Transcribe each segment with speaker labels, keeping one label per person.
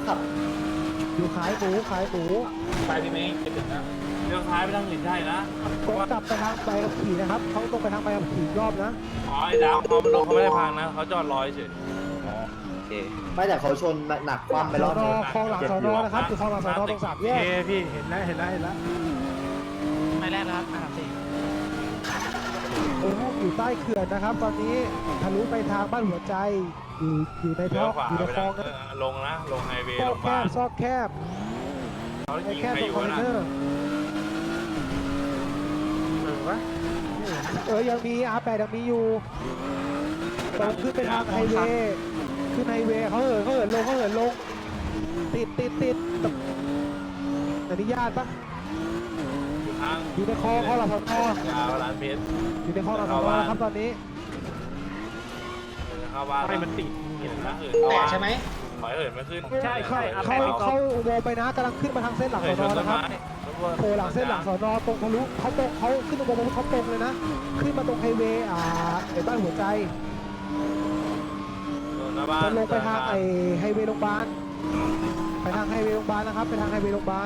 Speaker 1: ขับ
Speaker 2: อยู่ขายหมู
Speaker 3: ไปพี่เมย์ไปถึงนะเลี้ยวซ้ายไปทางอื่นได้นะ
Speaker 2: ตรงกลับไปทางใบขับขี่นะครับเขาตรงไปทางใบขับขี่รอบนะ
Speaker 3: อ๋อไอ้ดาวพอมันลงเขาไม่ได้พังนะเขาจอดรอเฉย
Speaker 1: ไม่แต่เขาชนหนักคว่ำไปรอบนึง
Speaker 2: คลองหลังสอนอนะครับคือคลองหลังสอนอตรงสามแยกพี่เห็นแล้ว
Speaker 4: ไม่แรกนะครับ4
Speaker 2: โอ้โหอยู่ใต้เขื่อนนะครับ ตอนนี้ทะลุไปทางบ้านหัวใจอยู่ใน
Speaker 3: เลี้
Speaker 2: ท่
Speaker 3: ย
Speaker 2: อ
Speaker 3: วขวา
Speaker 2: อยู่ใน
Speaker 3: ไป
Speaker 2: คล
Speaker 3: ทา
Speaker 2: อง งนะ
Speaker 3: ลงนะลงไฮเวย์
Speaker 2: ซ
Speaker 3: ล
Speaker 2: อก
Speaker 3: ง
Speaker 2: แค
Speaker 3: บ้าน
Speaker 2: บซอกแคบ
Speaker 3: เขา
Speaker 2: ไอ้
Speaker 3: ยิง
Speaker 2: แคบ
Speaker 3: ใคร
Speaker 2: ตร
Speaker 3: อง ยู่
Speaker 2: คอน
Speaker 3: นะ
Speaker 2: เทนเนอร์ยังมีR8ยังมีอยู่ตรงขึ้นไปทางไฮเวย์ขึ้นไฮเวย์เขาเหินลงติดอนุญาตปะ
Speaker 3: อยู่ทาง
Speaker 2: อยู่ในคลองหลังสอนอย
Speaker 3: าวร้านเพชร
Speaker 2: อยู่ในคลองหลังสอนอครับตอนนี้
Speaker 3: เข้าบ้านให้มันติดเห็นนะ
Speaker 4: แต่
Speaker 3: เหินเข้าบ้าน
Speaker 4: ใช่ไหม
Speaker 3: ถอยเหินไม่ขึ้น
Speaker 2: เข้าอุโมงค์ไปนะกำลังขึ้นมาทางเส้นหลัง
Speaker 3: เหิ
Speaker 2: ส
Speaker 3: น
Speaker 2: อน
Speaker 3: ช
Speaker 2: อน
Speaker 3: ต้น
Speaker 2: นะครับ
Speaker 3: ไม้
Speaker 2: โผล่หลังเส้นหลังสอนอตรงทะลุเขาขึ้นอุโมงค์เขาตรงเลยนะขึ้นมาตรงไฮเวย์ไอ้บ้านหัวใจ
Speaker 3: หน้าบ้าน
Speaker 2: จะลงไปทางไอ้ไฮเวย์โรงพยาบาลไปทางไฮเวย์โรงพยาบาลนะครับไปทางไฮเวย์โรงพยาบาล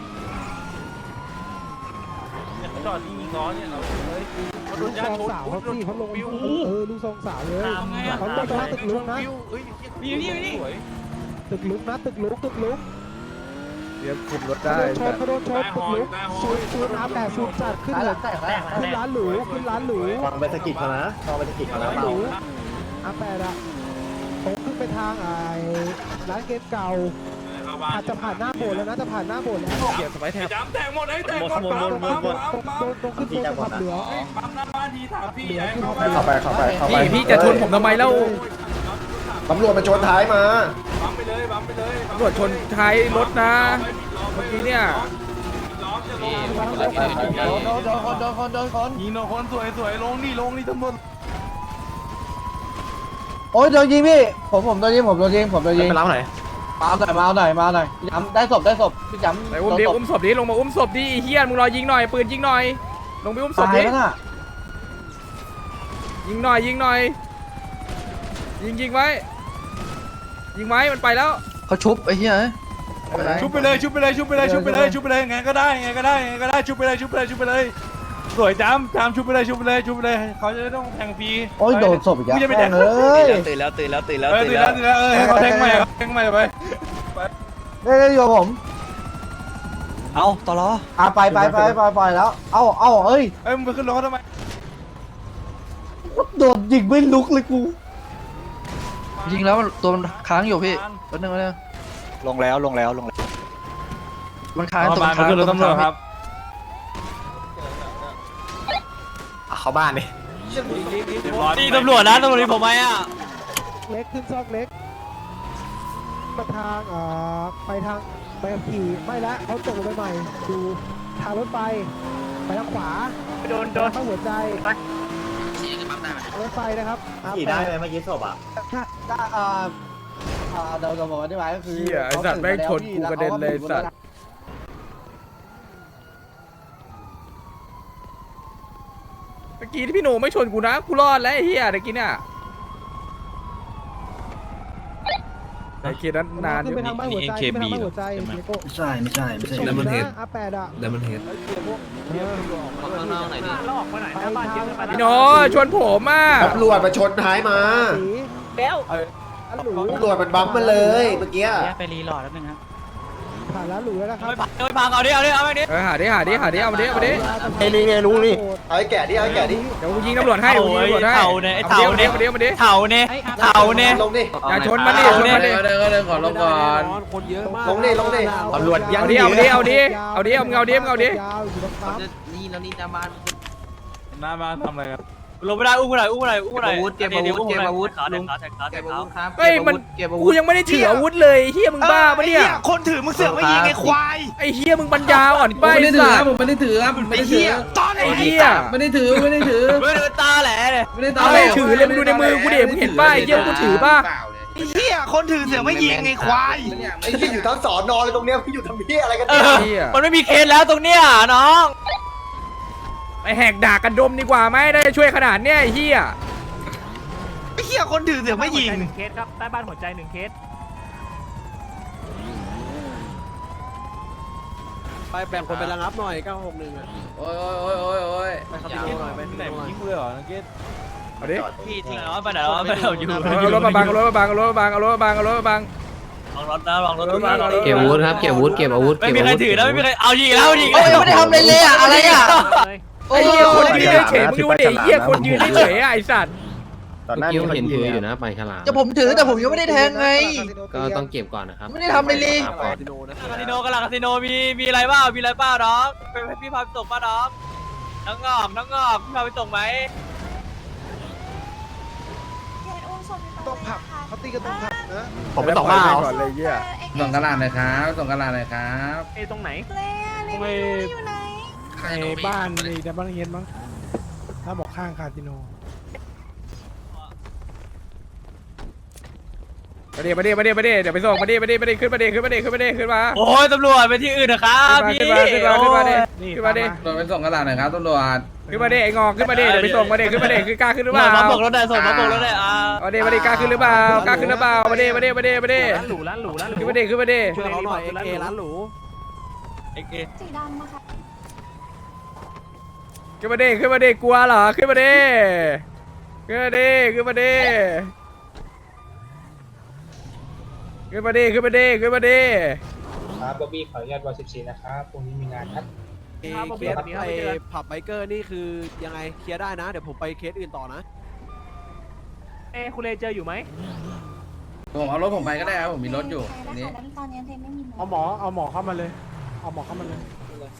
Speaker 3: เนี่ยเขาจอดที่มีล้อเนี่ยเราเฮ้ยเขาโด
Speaker 2: ลู
Speaker 3: น
Speaker 2: ก
Speaker 3: ญา
Speaker 2: ซ
Speaker 3: ติ
Speaker 2: อง
Speaker 3: ชน
Speaker 2: สาวเขาพี่เขาลงลูกซองสาวเลย
Speaker 4: ทำไงอะ
Speaker 2: เขาลงไปทางตึกลุกนะ
Speaker 3: เฮ้ย
Speaker 4: นี่
Speaker 3: สวย
Speaker 2: ตึกลุกนะตึกลุก
Speaker 5: เดี๋ยวคุมรถ
Speaker 2: เขา
Speaker 5: ได้
Speaker 2: โดนชนตึกลุกซูนR8ซูนจัดขึ้นเลยขึ้นร้านหรู
Speaker 1: ฟังไปสะกิดเขานะฟังไปสะกิดเขานะ
Speaker 2: ร้านหรูR8อะผมขึ้นไปทางไอ้ร้านเกมเก่า
Speaker 3: เข้าบ้าน
Speaker 2: อาจจะผ่านหน้าโบสถ์แล้วนะจะผ่านหน้าโบสถ์แล้ว
Speaker 5: เกียร์สไปแทบ
Speaker 3: จำแตกหมดไอ้แตกหมด
Speaker 2: ตรงขึ้นโบสถ์ขับเหลือง
Speaker 3: ปั๊มหน้าบ้านทีถามพี่ใหญ่
Speaker 1: เข้าไป
Speaker 5: พี่จะชนผมทำไมเล่า
Speaker 1: ตำรวจมาชนท้ายมา
Speaker 3: ปั๊มไปเลย
Speaker 5: ตำรวจชนท้ายรถนะเมื่อกี้เนี่ย
Speaker 3: ล้อจะลงยิงโดนคนสวยลงนี่ตำรวจ
Speaker 6: โอ้ยโดนยิงพี่ผมโดนยิง
Speaker 1: ไปรับไหน
Speaker 6: มาเอาหน่อยย้ำได้ศพพี่ย้ำ
Speaker 5: ไปอุ้มดิอุ้มศพดิลงมาอุ้มศพดิเฮียมึงรอยิงหน่อยปืนยิงหน่อยลงไปอุ้มศพ
Speaker 6: ตาย
Speaker 5: ดิ
Speaker 6: แล้วน่ะ
Speaker 5: ยิงหน่อยยิงไว้มันไปแล้ว
Speaker 6: เขาชุบไอ้เหี้ย
Speaker 3: ชุบไปเลยไงก็ได้ชุบไปเลยสวยจำชุบไปเลยเขาจะได้ต้องแทงฟรี
Speaker 6: โอ้ยโดนศพอีกแล้ว
Speaker 3: กูจะไปแทง
Speaker 6: เลย
Speaker 5: ตื่นแล้ว
Speaker 3: ตื่นแล้วให้เขาแทงใหม่ไป
Speaker 6: ได้อยู่ผม
Speaker 4: เอาต่อรอ
Speaker 6: ไปแล้วเอาเอ้ย
Speaker 3: มึงไปขึ้นรถทำไม
Speaker 6: โดนยิงไม่ลุกเลยกู
Speaker 4: ยิงแล้วตัวมันค้างอยู่พี่แป๊บนึงลงแล้วมันค้างตัวมันค้าง
Speaker 3: ขึ้นรถตำรวจครับ
Speaker 1: เข้าบ้านดิ
Speaker 4: นี่ตำรวจนะตำรวจนี่ผมไหมอ่ะ
Speaker 2: เล็กขึ้นซอกเล็กมาทางไปทางไปขี่ไม่ละเขาตกลงไปใหม่ดูทางรถไฟไปทางขวาโดนเข้าหัวใจรถไฟนะครับ
Speaker 1: ขี่ได้ไหมเมื่อกี้ศพอ่ะ
Speaker 6: ก็เดี๋ยวผมอธิบายก็คือ
Speaker 5: เฮียไอสัตว์แม่งชนกูกระเด็นเลยสัตว์เมื่อกี้ที่พี่หนูไม่ชนกูนะกูรอดแล้วไอ้เฮียเมื่อกี้เนี่ยไอ้เคียนั้นนานอยู่
Speaker 2: ไปทางบ้านหัวใจไปทางบ้านหัวใจไม่ใช่ดับเบิลเฮดR8อะดับเบิลเฮด
Speaker 4: ข้างนอกไหนดิ
Speaker 5: พี่โนชวนผมอ่ะ
Speaker 1: ตำรวจมาชนท้ายมา
Speaker 2: แล้วอันหลู
Speaker 1: ตำรวจมันบั๊มมาเลยเมื่อกี้
Speaker 4: ไปรีโหลดแล้วนึงครับ
Speaker 2: ผ่านแล้วหลูแล้วนะครับ
Speaker 4: ไม่พังเอาดิเอามาดิ
Speaker 5: หาดิเอามาดิ
Speaker 1: ไอ้นี่ไงลุงนี่เอาไอ้แก่ดิ
Speaker 5: เดี๋ยวกูยิงตำรวจให้เอามาดิ
Speaker 4: เถาเนี่ย
Speaker 1: ลงดิ
Speaker 5: อย่าชนมันดิ
Speaker 6: ขอลงก่อน
Speaker 1: ลงดิตำรวจยัง
Speaker 5: เอาดิเอาดิมึงเอาดิ
Speaker 2: ยาวอยู่ตรงปั๊ม
Speaker 4: นี่จะมา
Speaker 3: หน้าบ้านทำอะไรครับ
Speaker 4: ลงไม่ได้อุ้มหน่อยเก็บอาวุธลุงเก็บอาวุธครับ
Speaker 5: เฮ้ยมันกูยังไม่ได้ถืออาวุธเลยเฮียมึงบ้าปะเนี่ย
Speaker 4: คนถือมึงเสือกไม่ยิงไอ้ควาย
Speaker 5: ไอ้เฮียมึงปัญญาอ่อนไปสัตว์
Speaker 6: ไม่ได้ถือ
Speaker 4: ไอ้เหี้ยตอน
Speaker 5: ไอ้เฮีย
Speaker 6: ไม่ได้ถือ
Speaker 4: ไม่ได้ตาแหละเลย
Speaker 5: เอาไม่ถือเลยมึงดูในมือกูเดี๋ยวมึงเห็นป่ะไอ้เฮียกูถือป่ะ
Speaker 4: ไอ้เหี้ยคนถือเสือกไม่ยิงไอ้ควาย
Speaker 1: ไอ้ที่อยู่ทั้งสอนอเลยตรงเนี้ยพี่อยู่ทำเพี้ยอะไรกัน
Speaker 5: เฮีย
Speaker 4: มันไม่มีเคสแล้วตรงเนี้ยน้อง
Speaker 5: ไปแหกด่ากันดมดีกว่าไหมได้ช่วยขนาดเนี้ยไอ้เฮีย
Speaker 4: ไอ้เหี้ยคนถือเสือกไม่ยิง
Speaker 7: เคสครับใต้บ้านหัวใจ1 เคสไปแบ่งคนไประงับหน่อย961อ่ะ
Speaker 6: โอ้ยโอ้ยโอ้ยโอ้ย
Speaker 7: ไปคาสิโนหน่อยไป
Speaker 3: ไหน
Speaker 7: คาสิโนหน่อย
Speaker 3: ยิงเลยเหรอนักเก็ต
Speaker 5: เอาดิ
Speaker 8: พี่ทิ้งแล้วไปไหนแล้วไปไหนอยู่
Speaker 5: เอารถมาบังเอารถมาบังเอารถมาบังเอารถมาบังเอารถมาบัง
Speaker 8: ลองรถนะลองรถ
Speaker 9: เก็บอาวุธครับเก็บอาวุธเก็บอาวุธ
Speaker 8: ไม่มีใครถือแล้วไม่มีใครเอายิงแล้วยิง
Speaker 4: โอ้ยไม่ได้ทำอะไรเลยอะอะไรอะ
Speaker 5: ไอ้เหี้ยคนยืนเฉยมึงดูดิเหี้ยคนยืนเฉยไอ้สัตว์
Speaker 9: เมื่อกี้ผมเห็นถืออยู่นะไปฉลาม
Speaker 4: จะผมถือแต่ผมยังไม่ได้แทงไง
Speaker 9: ก็ต้องเก็บก่อนนะครับ
Speaker 4: ไม่ได้ทำอะไรเลย
Speaker 7: คาสิโนนะ
Speaker 8: คาสิโนกันละคาสิโนมีอะไรบ้างมีอะไรบ้างน้องเป็นพี่พาไปส่งป่ะน้องน้องงอกพี่พาไปส่งไหม
Speaker 2: ต้องผับเขาตีกันตรงผับนะ
Speaker 5: ผมไปส่งบ้าก่อนเลยเหี้ย
Speaker 6: ส่งกระดาษหน่อยครับส่งกระดาษหน่อยครับ
Speaker 5: ไอ้ตรงไหน
Speaker 2: ในบ้านในบ้านเย็นมั้งถ้าบอกข้างคาสิโน
Speaker 5: มาดิเดี๋ยวไปส่งมาดิขึ้นมา
Speaker 8: โอ้ยตำรวจไปที่อื่นนะครับพี่
Speaker 5: ขึ้นมาดิขึ้นมาดิ
Speaker 6: ตำรวจไปส่งกระดาษหน่อยครับตำรวจ
Speaker 5: ขึ้นมาดิไอ้งอกขึ้นมาดิเดี๋ยวไปส่งมาดิขึ้นมาดิคือกล้าขึ้นหรือเปล่า
Speaker 8: มาบอกรถได้ส่งมาบอกรถได้
Speaker 5: มาดิกล้าขึ้นหรือเปล่ากล้าขึ้นหรือเปล่ามาดิร้านหรูขึ้นมาดิ
Speaker 7: ช่วยเขาหน่อยเอร้านหรู
Speaker 8: เอ็ก
Speaker 10: สีดำอะค่ะ
Speaker 5: ขึ้นมาดิกลัวเหรอขึ้นมาดิขึ้นมาดิขึ้นมาดิ
Speaker 6: ครับบ๊อบบี้ขออนุญาตวอล14นะครับตรงนี้มีงานครับ
Speaker 7: เคสไอ้ผับไบเกอร์นี่คือยังไงเคลียร์ได้นะเดี๋ยวผมไปเคสอื่นต่อนะ
Speaker 5: คุณเลเจออยู่ไหม
Speaker 6: ผมเอารถผมไปก็ได้ครับผมมีรถอยู่
Speaker 10: ตอน
Speaker 6: นี้
Speaker 10: ตอนนี้เทนไม่มี
Speaker 2: เอาหมอเข้ามาเลยเอาหมอเข้ามาเลย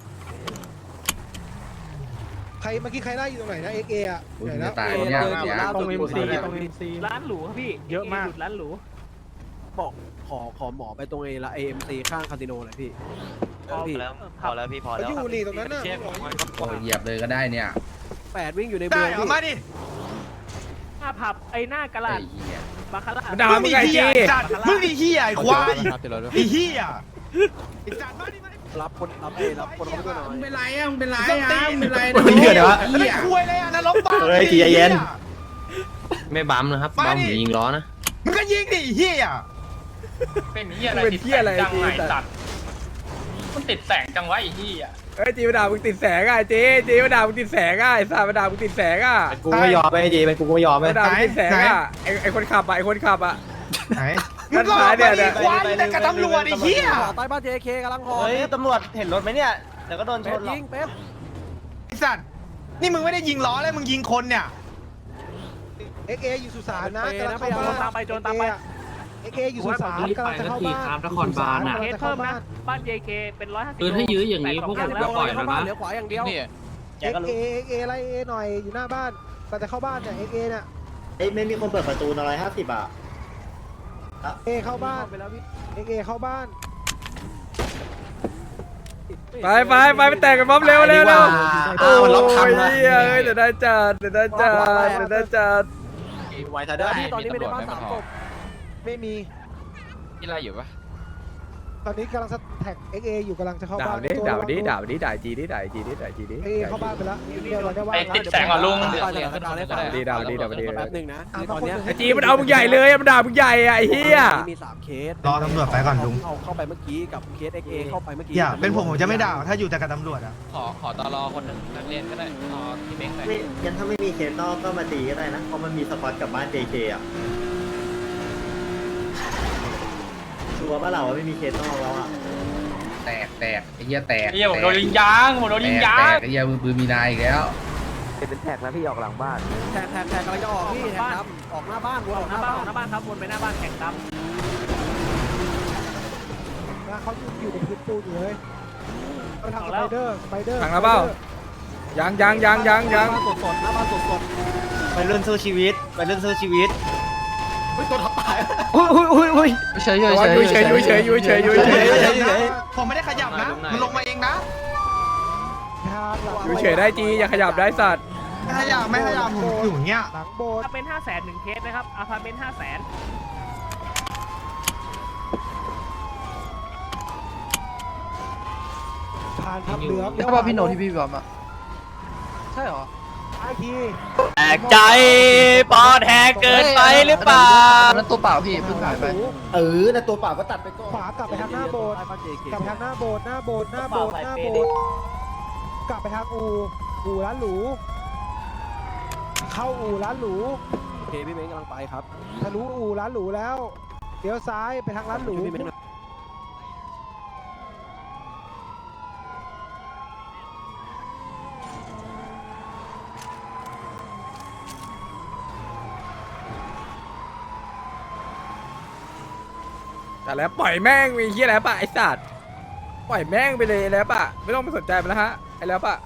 Speaker 2: ใครเมื่อกี้ใครไล่อยู่ตรงไหนนะเอ็กเออะ
Speaker 6: อุ้ย
Speaker 2: ไหน
Speaker 6: จะ
Speaker 2: นะ
Speaker 6: ตายเนี่ยอย่า
Speaker 2: ตรงเอ็มซีตรงเอ็มซี
Speaker 5: ร้านหรูครับพี่เยอะมากร้านหรู
Speaker 7: บอกขอหมอไปตรงไอ้เอ็มซีข้างคาสิโนหน่อยพี่
Speaker 8: พอแล้วพอแล้วพี่พอแล้ว
Speaker 2: อยู่นี่ตรงนั้นน่ะ
Speaker 6: โอ้ยเหยียบเลยก็ได้เนี่ย
Speaker 7: 8วิ่งอยู่ในเมืองพี่
Speaker 5: หน้าผับไอ้หน้ากระ
Speaker 6: ไอ้
Speaker 5: ลาด
Speaker 6: เหี้ย
Speaker 5: บาคาร่าด่ามึงไงจี
Speaker 3: มึงไอ้เหี้ยไอ้ควายไอ้เหี้ย
Speaker 7: รับคนเข้าไปด้วยหน่อย
Speaker 6: มึงเป็นไรอ่ะมึงเป็นไรอ่ะมึงเป็นไร
Speaker 3: เหี้ยเดี๋ยวไอ้ควายเลยอ่ะนรกบ้า
Speaker 1: เฮ้ยใจเย็น
Speaker 9: ไม่บัมนะครับบัมผมยิงล้อนะ
Speaker 3: มึงก็ยิงดิเหี้ย
Speaker 5: เป็นเหี้ยอะไรจีสัตว์
Speaker 8: มันติดแสงจังวะไอ้ที่อ่ะ
Speaker 5: เฮ้ยจีมาด่ามึงติดแสงอ่ะจีมาด่ามึงติดแสงอ่ะไอ้สัตว์มาด่ามึงติดแสงอ่ะ
Speaker 1: กูไม่ยอมไปจีไปกูไม่ยอมไป
Speaker 5: มาด่ามึงติดแสงอ่ะไอ้คนขับอ่ะไอ้คนขับอ่ะ
Speaker 3: ไหนมึงก็ไปดิควายแต่กับตำรวจไอ้เหี้ย
Speaker 7: ใต้บ้านเจเคกำลังหอ
Speaker 1: เฮ้ยตำรวจเห็นรถไหมเนี่ยเดี๋ยวก็โดนช
Speaker 7: เป๊ป
Speaker 1: นหรอก
Speaker 7: ยิงเป๊ป
Speaker 3: ไอ้สัตว์นี่มึงไม่ได้ยิงล้อเลยมึงยิงคนเนี่ย
Speaker 2: เอ็กเออยู่สุสานนะกำลังเข้าบ้านตามไปเอ็กเออยู่สุสานกำลังจะเข้าบ้าน
Speaker 5: เคสเพิ่มนะบ้าน JK เป็น150
Speaker 9: ถ้ายื้ออย่างนี้พวกผมก็ปล่อยแล้วนะ
Speaker 7: เหลือขวาอย่างเดียว
Speaker 2: เอ็กเอไล่เอหน่อยอยู่หน้าบ้านกำลังจะเข้าบ้านเนี่ยเอ็กเอเนี่ย
Speaker 1: เอ้ยไม่มีคนเปิดประตู150อ่ะ
Speaker 2: เอเข้าบ้านไปแล้วพี่เอ็กเอเข้าบ้าน
Speaker 5: ไปแต่งกันบ๊อบเร็วโอ้ยเดี๋ยวได้จัด
Speaker 1: ไวท์ทัดเดอร์
Speaker 7: ที่ตอนนี้ไม่ได้บ้าน3ศพ
Speaker 2: ไม่มี
Speaker 8: มีอะไรอยู่ปะ
Speaker 2: ตอนนี้กำลังแท็กเอ็กเออยู่กำลังจะเข้า
Speaker 5: ด่า
Speaker 2: บ้าน
Speaker 5: ดิด่าจีดิ
Speaker 2: เอเข้าบ้านไปแล้วเดี๋ยวเราได้ว่า
Speaker 8: ติดแสงก่อนลุง
Speaker 7: ด่าแป๊บนึงนะตอนเนี้ย
Speaker 5: จีมันเอามึงใหญ่เลยมันด่ามึงใหญ่ไอ้เฮีย
Speaker 7: มี3เคส
Speaker 3: รอตำรวจไปก่อนลุง
Speaker 7: เข้าไปเมื่อกี้กับเคส XA เข้าไปเมื่อกี้
Speaker 3: อย่าเป็นผมจะไม่ด่าถ้าอยู่แต่กับตำรวจอ่ะ
Speaker 8: ขอตลอคนนักเรียนก็ได้ขอที่เม้งหน่อย
Speaker 1: ไม่งั้นถ้าไม่มีเคสนอกก็มาตีก็ได้นะเพราะมันมีสปอตกับบ้าน JK อ่ะชัวร์ป่ะเราว่าไม่มีเคสนอกแล้วอ่ะ
Speaker 6: แตกไอ้เหี้ยแตก
Speaker 8: เฮียผมโดนยิงยางผมโดนยิงยาง
Speaker 6: แตกไอ้เหี้ยมือมีนายอีกแล้ว
Speaker 7: แท็กกำลังจะออกพี่แท็กดำออกหน้าบ้านวนออกหน้าบ้าน
Speaker 5: ครับวนไปหน้าบ้านแข่งด
Speaker 2: เขาอยู่ในพื้นปูนอยู่เลยไปทางสไปเดอร์
Speaker 5: ำทางแล้วเปล่ายัง
Speaker 7: หน้าบ้านสดหน้าบ้านสด
Speaker 1: ไปเรื่องสู้ชีวิตไปเรื่องสู้ชีวิต
Speaker 4: เฉย
Speaker 3: ผมไม่ได้ขยับนะมันลงมาเองนะ
Speaker 2: ทางหลัง
Speaker 5: อยู่เฉยได้จีอย่าขยับได้สัตว์
Speaker 3: ไม่ขยับผมอยู่อย่างเงี้ย
Speaker 2: หลังโบสถ์
Speaker 5: เป็น500,000 1 เคสนะครับอาพาร์ตเมนต์500,000
Speaker 2: ผ่านทับเหลือง
Speaker 4: ใช่ป่ะพี่โนที่พี่บอมอ่ะใช่เหรอ
Speaker 2: อีกที
Speaker 8: แตกใจปอดแหกเกินไปหรือเปล่า
Speaker 4: นั่นตัวเปล่าพี่เพิ่งหายไป
Speaker 1: ในตัวเปล่าก็ตัดไปก่อน
Speaker 2: ขวากลับไปทางหน้าโบสถ์กลับไปทางหน้าโบสถ์หน้าโบสถ์หน้าโบสถ์หน้าโบสถ์กลับไปทางอู่ร้านหรูเข้าอู่ร้านหรู
Speaker 7: โอเคพี่เม้งกำลังไปครับ
Speaker 2: ทะลุอู่ร้านหรูแล้วเลี้ยวซ้ายไปทางร้านหรู
Speaker 7: พี่เม้งหน่อย
Speaker 5: แต่แล้วปล่อยแม่งมีเฮียแล้วปะไอ้สัตว์ปล่อยแม่งไปเลยแล้วปะไม่ต้องไปสนใจมันแล้วฮะไอ้แล้วปะ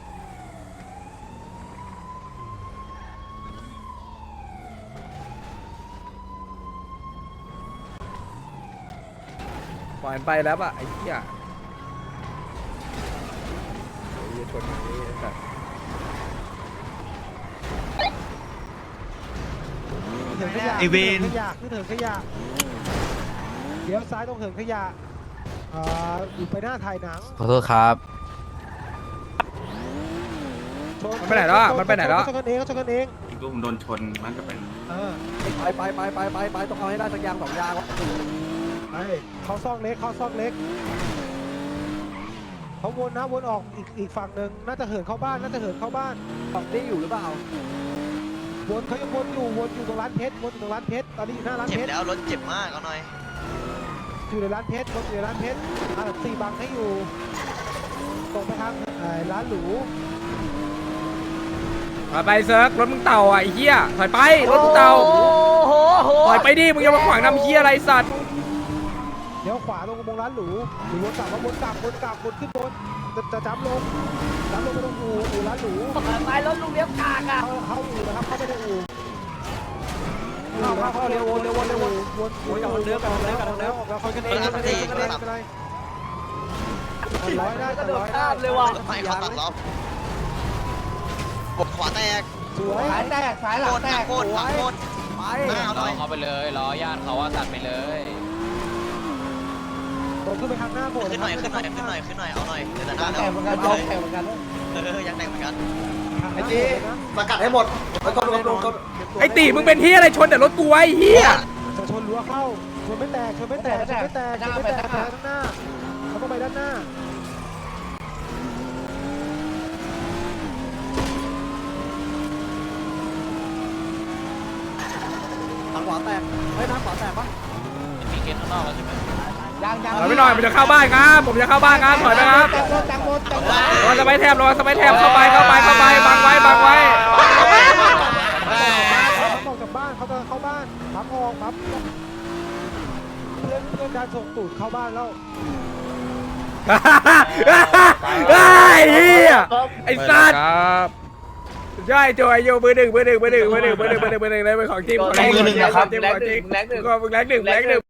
Speaker 5: ปล่อยมันไปแล้วปะไอ้เหี้ยไอ้เหี้ยชนอย่างนี้ไอ้สัตว์
Speaker 2: เหินขยะขึ้นเหินขยะเลี้ยวซ้ายตรงเหินขยะอยู่ไปหน้าถ่ายหนัง
Speaker 4: ขอโทษครับ
Speaker 5: มันไปไหนแล้วอะมันไปไหนแล้ว
Speaker 2: เขาชนกันเองเขาชนกันเอง
Speaker 3: อีกลูกผมโดนชนมันก็เป็น
Speaker 7: ไปต้องเอาให้ได้สักอย่าง2อย่างวะ
Speaker 2: เขาซอกเล็กเขาซอกเล็กเขาวนนะวนออกอีกฝั่งหนึ่งน่าจะเหินเข้าบ้านน่าจะเหินเข้าบ้าน
Speaker 7: ฝั่งนี้อยู่หรือเปล่า
Speaker 2: วนเขายังวนอยู่ตรงร้านเพชรวนอยู่ตรงร้านเพชรตอนนี้อยู่หน้าร้าน
Speaker 8: เจ็บ
Speaker 2: เพชร
Speaker 8: แล้วรถเจ็บมากเอาหน่อย
Speaker 2: อยู่ในร้านเพชรวนอยู่ในร้านเพชร4บังให้อยู่ตรงไปทางร้านหรู
Speaker 5: ถอยไปเซิร์กรถมึงเต่าอ่ะไอ้เหี้ยถอยไปรถมึงเต่าถอยไปดิมึงอย่ามาขวางนำเหี้ยอะไรสัตว์
Speaker 2: เดี๋ยวขวาลงอุโมงค์ร้านหรูหรือวนกลับมาวนขึ้นบนจะจับลงไปตรงอู่ร้านหรู
Speaker 8: ไปรถลุงเลี้ยวกากอ่ะ
Speaker 2: เข้าอู่นะครับเข้าไปในอู่
Speaker 7: เข้าเร็ววนกลับทางเดิมกลับทางเดิม
Speaker 2: ออกแล้วคอยกันเองร้อยได้
Speaker 8: กระโดด
Speaker 2: ร้อย
Speaker 8: ข้า
Speaker 2: ได้
Speaker 8: มเลยว่ะ
Speaker 7: ไม่เขาตัดล้อ
Speaker 8: ขวาแตก
Speaker 2: สวย
Speaker 1: สายแตกสายหลังแตก
Speaker 8: โคตรโคตร
Speaker 7: ไป
Speaker 8: เขาไปเลยล้อย่านเขาว่าตัดไปเลย
Speaker 2: ตรงขึ้นไปข้างหน้าโบสถ์
Speaker 8: ขึ้นหน่อยเอาหน่อยเดี๋ยวหน้า
Speaker 1: แตกเหมือนกันแตกเหมือนกัน
Speaker 8: ยังแตกเหมือนกัน
Speaker 1: ไอ้จีสกัดให้หมดไปก่อนลง
Speaker 5: ไอ้ตีมึงเป็นเหี้ยอะไรชนแต่รถกูไว้ไอ้เหี้ย
Speaker 2: จะชนรั้วเข้าชนไม่แตกไปทางหน้าเขาต้องไปด้านหน้า
Speaker 7: ทางขวาแตกเฮ้ยทางขวาแตกปะ
Speaker 8: มีเกณฑ์ข้างนอกแล้วใช่ไหม
Speaker 5: ถอยไปหน่อยผมจะเข้าบ้านครับผมจะเข้าบ้านครับถอยไปครับรอสไปแทบเข้าไปบังไว้
Speaker 2: เขาออกจากบ้านเขาจะเข้าบ้านพับออกพับเพื่อนการส่งตูดเข้าบ้านแล้ว
Speaker 5: ไอ้เหี้ยไอ้สัตว์ใช่โจยโยมือหนึ่งเลยเป็นของจริงของจริงมึงแรงหนึ่ง